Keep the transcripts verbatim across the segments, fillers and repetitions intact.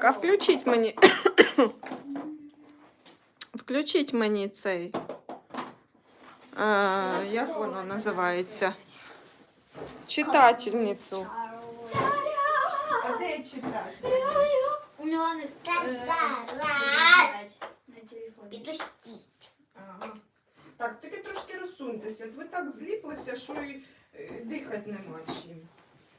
а включіть мені. Включіть мені цей. А, як воно називається? Читательницю. А де читати? У Мілани Зараз. на телефоні. Підпустіть. Ага. Так, тільки трошки розсуньтеся. Ви так зліплися, що і е, дихати нема чим.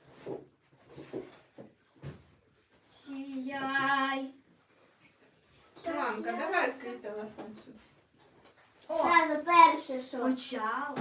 Сіяй. Шиланка, давай свій телефон сюди. О, Зразу перше, що. почалось.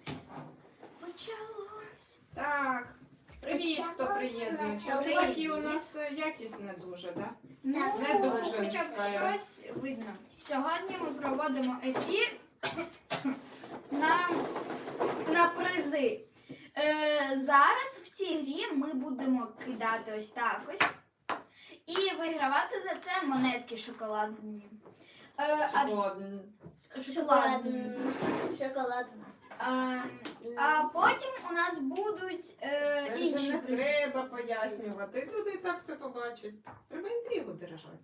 Почалось. Так, привіт, хто приєднується. Це Привіт. такі у нас е, якість не дуже, так? Да? Ну, Не дуже хоча б скажу. щось видно. Сьогодні ми проводимо ефір на, на призи. Е, зараз в цій грі ми будемо кидати ось так ось і вигравати за це монетки шоколадні. Е, а- Шоколадний. шоколадні. Шоколадна. А, а потім у нас будуть е, Це інші вже не призи. треба пояснювати. Люди і так все побачать. Треба інтригу держати.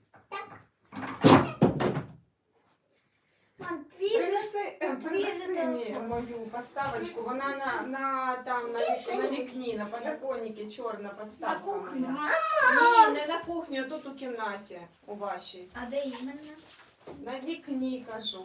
Матвій же Принеси, е, принеси же мені телефон. мою подставочку. Вона на, на, там, на, вік- на вікні, на подоконнику, чорна на подставка. кухню. моя. Ні, не на кухні, а тут у кімнаті у вашій. А де іменно? На вікні, кажу.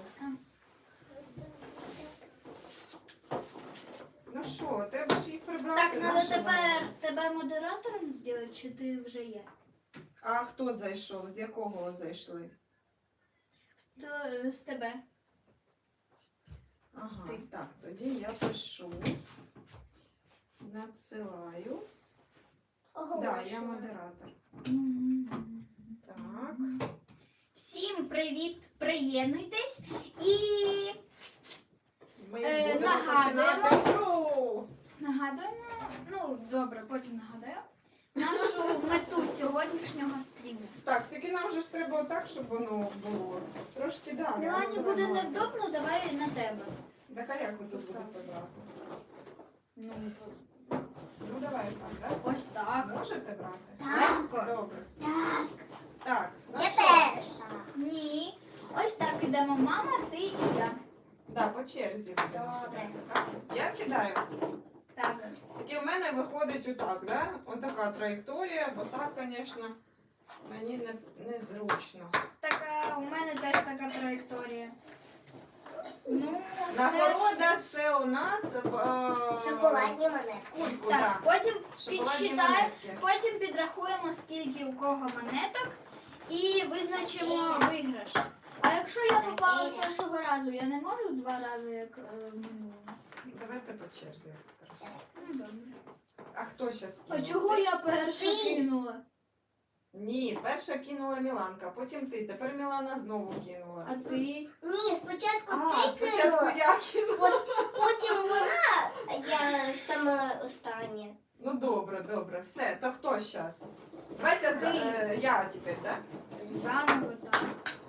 Ну що, треба ж їх прибрати. Так, треба наші тепер вони. тебе модератором зробити, чи ти вже є? А хто зайшов? З якого зайшли? З, т- з тебе. Ага, Ти. так, тоді я пишу. Надсилаю. Так, да, я модератор. Так. Всім привіт, приєднуйтесь і Ми Е, будемо нагадуємо. починати гру. нагадуємо, ну добре, потім нагадаю, нашу мету сьогоднішнього стріму. Так, тільки нам вже ж треба так, щоб воно було. Трошки далі. Мілані Ну, буде давай, невдобно, давай на тебе. Так, а як ви тут будете брати? Ну, Ну давай так, так? ось так. Можете брати? Легко. Добре. Так. Так, ну Я що? перша. Ні. Ось так ідемо мама, ти і я. Да, по черзі будемо Добре. кидати, так? Я кидаю. Так. Тільки в мене виходить отак, да? Отака траєкторія, бо так, звісно, мені не, незручно. Така, у мене теж така траєкторія. Ну, Нагорода це у нас е, Шоколадні монетки. кульку, Так, так. потім Шоколадні підсчитаємо, монетки. потім підрахуємо, скільки у кого монеток, і визначимо виграш. А якщо я попала з першого разу, я не можу два рази, як е, в минулому? Давайте по черзі. якраз. Ну, добре. А хто зараз А кинув? чого Ти? я перша Ти. кинула? Ні, перша кинула Міланка, потім ти, тепер Мілана знову кинула. А ти? Ні, спочатку А, ти спочатку кинула, я кинула. от потім вона, а я сама остання. Ну добре, добре, все, то хто зараз? Давайте за, Ти. е, я тепер, так? Заново так.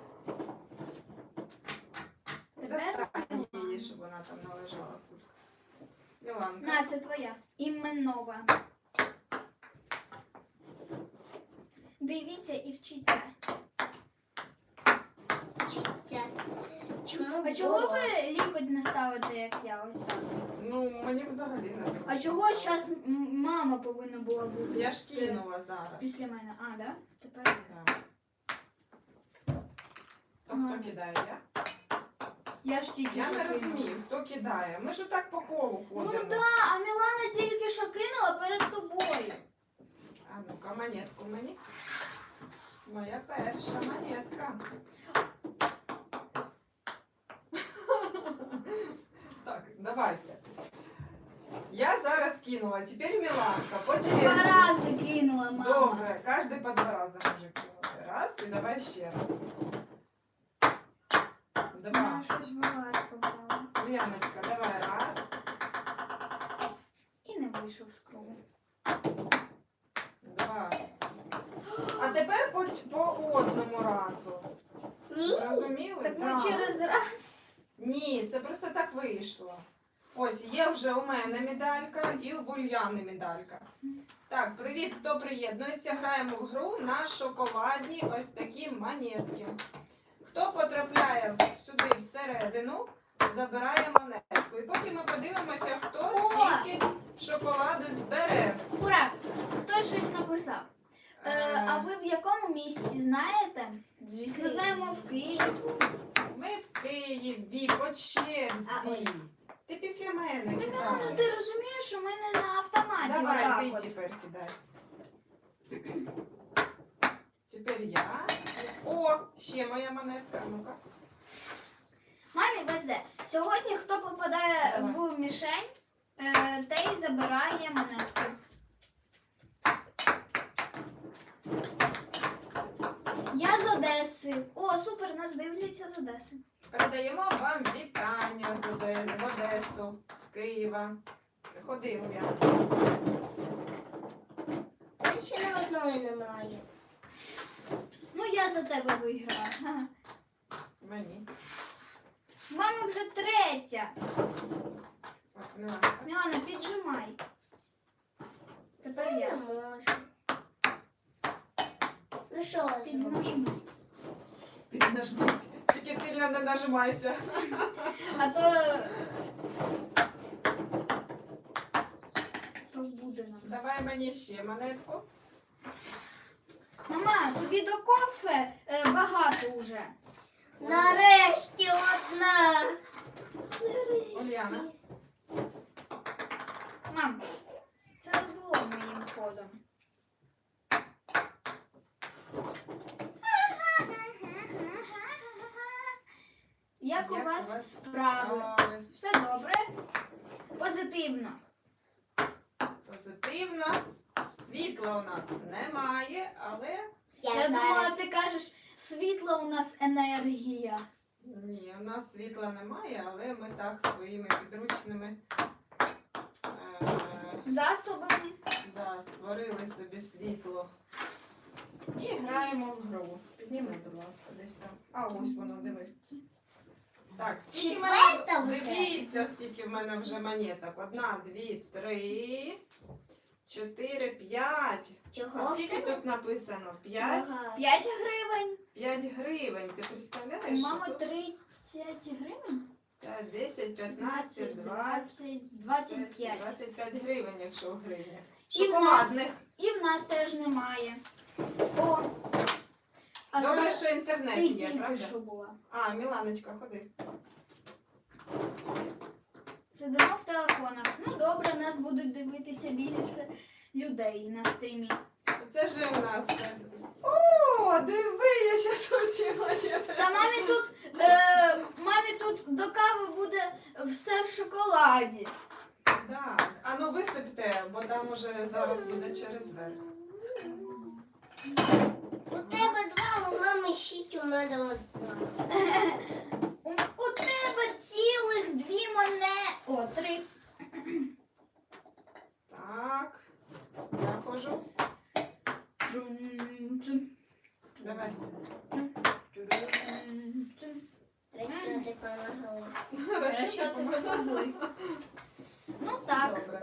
Тепер Достань її, щоб вона там належала кулька. Міланка. на, це твоя. Іменова. Дивіться і вчіться. Вчиться. Чому А чого було? ви лікоть не ставите, як я ось так? Ну, мені взагалі не зручно. А чого стало. зараз мама повинна була бути? Я ж кинула зараз. Після мене. А, да? Тепер. Да. То Ну. хто кидає? Я? Я ж тільки Я що не кинула. розумію, хто кидає. Ми ж так по колу Ну ходимо. да, а Мілана тільки що кинула перед тобою. А ну-ка, монетку мені. Моя перша монетка. Так, давайте. Я зараз кинула, тепер Міланка. По Два черзі. рази кинула мама. Добре, кожен по два рази може кинути. Раз, і давай ще раз. Два. Вона щось в лад попала. Яночка, давай раз. І не вийшов з кругу. Два. А тепер по, по одному разу. Ні. Зрозуміли? Так ми Да. через раз. Ні, це просто так вийшло. Ось є вже у мене медалька і у Бульяни медалька. Так, привіт, хто приєднується. Граємо в гру на шоколадні ось такі монетки. Хто потрапляє в- сюди всередину, забирає монетку. І потім ми подивимося, хто скільки шоколаду збере. Ура! Хтось щось написав. Е, Е, а ви в якому місті знаєте? Звісно, знаємо в Києві. Ми в Києві по черзі. Ти після мене Ну, ти кидаєш. розумієш, що ми не на автоматі. Давай, отак ти от. тепер кидай. Тепер я. О, ще моя монетка. Ну-ка. Мамі везе. Сьогодні хто попадає Давай. в мішень, е, той забирає монетку. Я з Одеси. О, супер, нас дивляться з Одеси. Передаємо вам вітання з Оде- в Одесу, з Києва. Ходи, Уля. Та ще не одної немає. Ну, я за тебе виграла. Ха. Мені. Мама вже третя. От, Міланка. Мілана, піджимай. Тепер Не я. можу. Ну що, ви зробите? Піднажми. Піднажмись. Тільки сильно не нажимайся. А то... То буде нам. Давай мені ще монетку. Мама, тобі до кофе е, багато уже. Нарешті одна. Уляна. Нарешті. Мам, це не було моїм ходом. Як, у вас справи? справи? Все добре? Позитивно. Позитивно. Світла у нас немає, але Я, Я думала, зараз. ти кажеш, світла у нас енергія. ні, у нас світла немає, але ми так своїми підручними е, Засобами. да, створили собі світло. І граємо в гру. Підніми, будь ласка, десь там. А ось воно, диви. Так, скільки в Четверта мене. вже? Дивіться, скільки в мене вже монеток. Одна, дві, три, чотири, п'ять. А Чого? скільки тут написано? П'ять? Ага. п'ять гривень. П'ять гривень. Ти У представляєш? що мами тут? тридцять гривень. П'ять, десять, п'ятнадцять, двадцять, двадцять п'ять. двадцять п'ять гривень, якщо в гривнях. І в нас- Шоколадних. І в нас теж немає. О! А Добре, зараз що інтернет ти є, тільки правда? що була. А, Міланочка, ходи. Сидимо в телефонах. Ну добре, нас будуть дивитися більше людей на стрімі. Це ж у нас. це- О, диви, я щас усі монети. Та мамі тут, е, мамі тут до кави буде все в шоколаді. Да. А ну висипте, бо там уже зараз буде через верх. У тебе два, у мами шість, у мене одна. У, у тебе цілих дві монети. О, три. Так. Я хожу. Давай. Речі, ти помогли. Хорошо, ти допомогли. Ну так. Добре.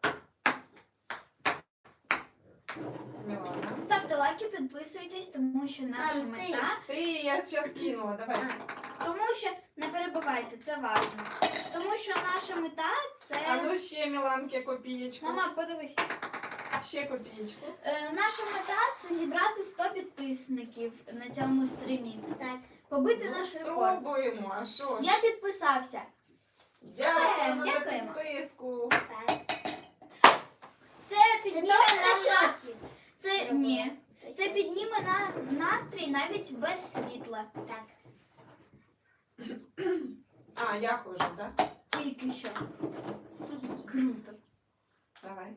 Мілана. Ставте лайки, підписуйтесь, тому що наша Мам, ти. мета. Ти, я зараз кинула, давай. Тому що не перебувайте, це важливо. Тому що наша мета А це. ну ще, Міланки, копієчку. Мама, подивись. Ще копієчку. Е, наша мета це зібрати сто підписників на цьому стрімі. Так. Побити Ну, наш рекорд. спробуємо, а що ж. Я підписався. Дякуємо за дякуємо. підписку. Так. Це Ти підніме теж на наша. шоці? Це ні. Це підніме на настрій навіть без світла. Так. А, я хожу, так? Да? Тільки що. Круто. Давай.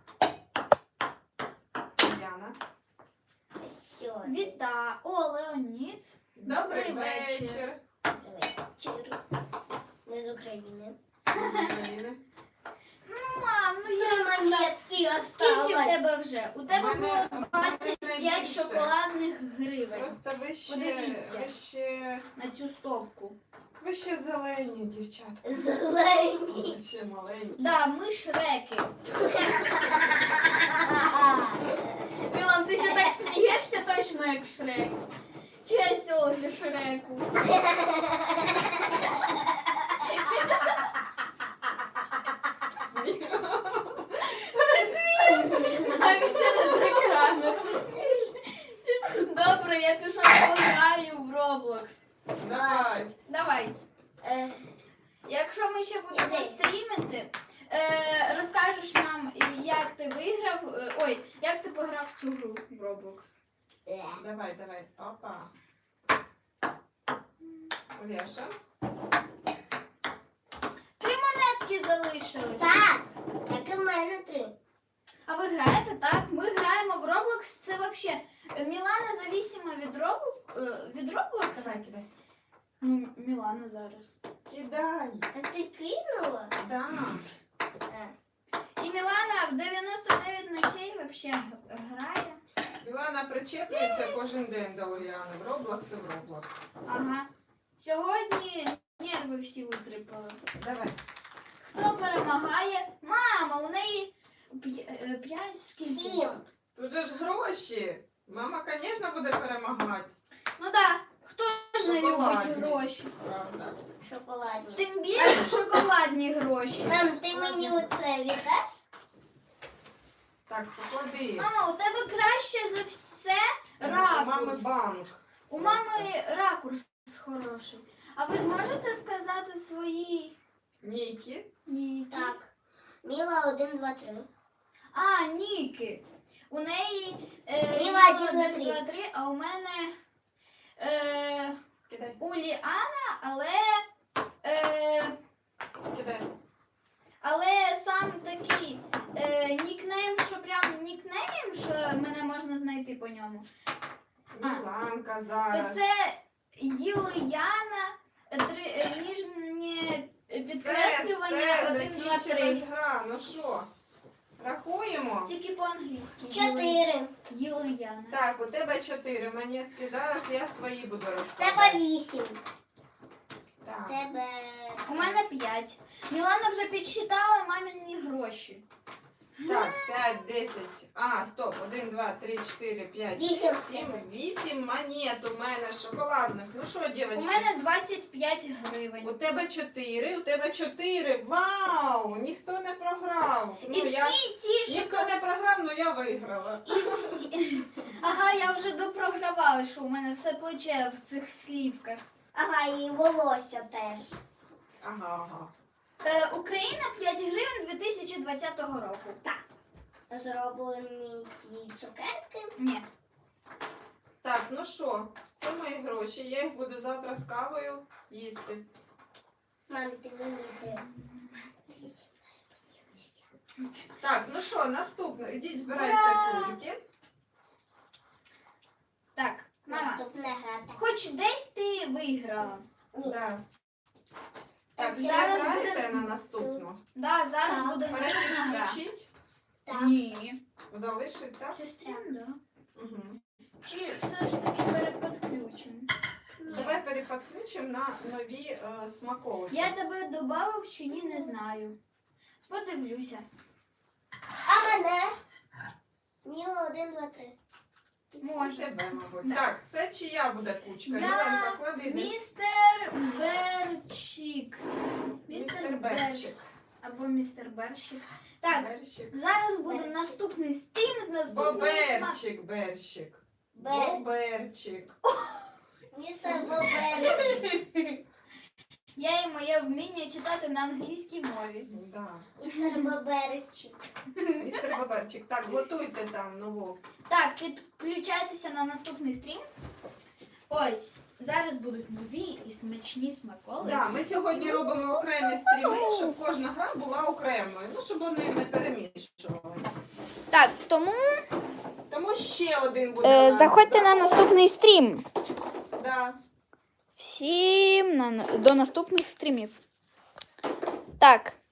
Яна. Що? Віта. О, Леонід. Добрий Добрий вечір. вечір. Вечір. Ми з України. З України. Ну, мам, ну Три я. монетки Скільки в осталось. тебе вже? У тебе У мене- було у мене двадцять п'ять найбільше. шоколадних гривень. Просто ви ще, Подивіться. ви ще, На цю стовпку. ви ще зелені, дівчатка. Зелені. Ви ще маленькі. Да, ми шреки. Мілан, ти ще так смієшся точно як Шрек. Чи осьол зі Шреку? Сміх. Не смій! Навіть через екран не розумієш. Добре, я пішов пограю в Roblox. Давай. Давай. Е, Якщо ми ще будемо Іди. стрімити, е, розкажеш нам, як ти виграв, е, ой, як ти пограв в цю гру в Roblox. е. Давай, давай. Опа. Оляша. Три монетки залишилось. Так, як і в мене три. А ви граєте, так? Ми граємо в Roblox. Це взагалі Мілана завісима від, Робл... е, від Roblox. Давай, кидай. Ну, Мілана зараз. Кидай. А ти кинула? Да. Е. І Мілана в дев'яносто дев'ять ночей взагалі грає. Мілана причеплюється кожен день до Уляни. В Roblox і в Roblox. Ага. Сьогодні нерви всі витрипали. Давай. Хто перемагає? Мама, у неї п'я- е, п'ять скільки? Сім. Тут же ж гроші. Мама, звісно, буде перемагати. Ну так, хто ж не любить Шоколадні. гроші? Правда. Шоколадні. Тим більше шоколадні гроші. Мам, ти мені оце віддаш? Так, поклади. Мама, у тебе краще за все У мами ракурс. банк. У мами ракурс хороший. А ви зможете сказати свої Ніки. ніки? Так. Міла один, два, три. А, ніки. У неї е, Міла Міла один, два, один, три. два, три, а у мене е, Кидай. Уліана, але, е, Кидай. але сам такий е, нікнейм, що прям нікнейм, що мене можна знайти по ньому. А. Міланка То зараз. це Юліана, три, е, ніжнє підкреслювання один, два, три. закінчилась гра. Ну що, рахуємо? Тільки по-англійськи. Чотири. Юліана. Так, у тебе чотири монетки. Зараз я свої буду Тебе розкладати. вісім. Так. Тебе. У мене п'ять. Мілана вже підсчитала мамині гроші. Так, п'ять, десять. А, стоп. один, два, три, чотири, п'ять, Вісім. шість, сім, вісім монет у мене шоколадних. Ну що, У дівчатки? мене двадцять п'ять гривень. У тебе чотири, у тебе чотири. Вау! Ніхто не програв. І Ну, я... всі ці Ніхто шоколадні. не програв, але я виграла. І всі. Ага, я вже допрогравала, що у мене все плече в цих слівках. Ага, і волосся теж. Ага, ага. Е, Україна п'ять гривень дві тисячі двадцятого року. Так. Зроблені ці цукерки. Ні. Так, ну що, це мої гроші. Я їх буду завтра з кавою їсти. Мам, ти мені треба. Так, ну що, наступне. Ідіть, збирайте Ура! кульки. Так, мама, Наступна гра. Так. хоч десь ти виграла. Ні. Да. Так, ще Зараз граєте буде- на наступну? Да, зараз Так. буде наступна гра. Переключіть, Так. Ні. залишить, так? Сестрін, да. Угу. Чи все ж таки переподключимо? Давай переподключимо на нові е, смаколики. Я тебе додав чи ні, не знаю. Подивлюся. А мене? Міла один, два, три. Може. Тебе, мабуть. Да. Так, це чия буде кучка? Я Міленка, клади десь. Містер Берчик. Містер Берчик. Або містер Берчик. Так, Берчик. зараз буде Берчик. наступний стрім з наступною смак. Боберчик, Берчик. Бер. Боберчик. Містер Боберчик. Я і моє вміння читати на англійській мові. Да. Містер Боберчик. Містер Боберчик. Так, готуйте там нову. Так, підключайтеся на наступний стрім. Ось, зараз будуть нові і смачні смаколики. Да, ми сьогодні робимо окремі стріми, щоб кожна гра була окремою. Ну, щоб вони не перемішувалися. Так, тому Тому ще один буде. е, у нас. заходьте на наступний стрім. Да. Всім на, до наступних стрімів. Так.